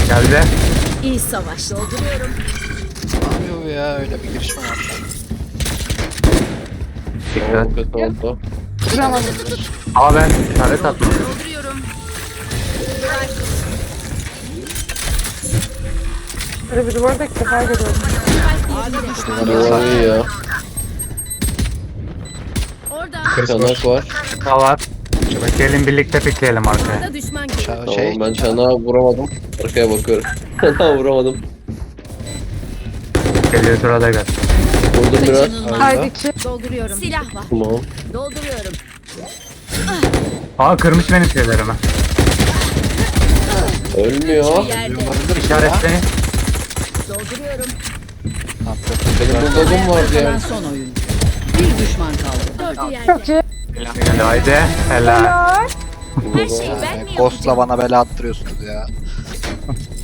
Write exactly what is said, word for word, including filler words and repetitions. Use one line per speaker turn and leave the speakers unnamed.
Geldi.
İyi savaş. Dolduruyorum.
Ne yapıyor bu ya? Öyle bir girişme var.
Dikkat.
Oo, kötü oldu.
Vuramadım.
Aa ben işaret atmadım.
Dolduruyorum.
Böyle bir duvarda ilk defa görüyorum.
Duvar iyi ya.
Orada.
Çanak var.
Daha var. Gelin birlikte pikleyelim arkaya.
Da düşman gibi.
Şey,
Tamam
şey
ben çanağa vuramadım. Arkaya bakıyorum. Çanağa vuramadım.
Geliyor sırada gel.
Vurdum biraz.
öldü.
Haydi ki.
Dolduruyorum. Silah var.
Tamam.
Dolduruyorum.
Aa kırmış benim şeylerimi.
Ölmüyor.
Yerde.
Olabilir ya.
İşaretleyin.
Dolduruyorum.
Benim bulldogum vardı
Kalan
ya.
son oyun. Bir düşman kaldı.
Dördü yerde.
Çok iyi.
Geldi haydi. Helal.
Helal.
Her şeyi ben mi
Ghost'la
yapacağım?
bana bela attırıyorsunuz ya.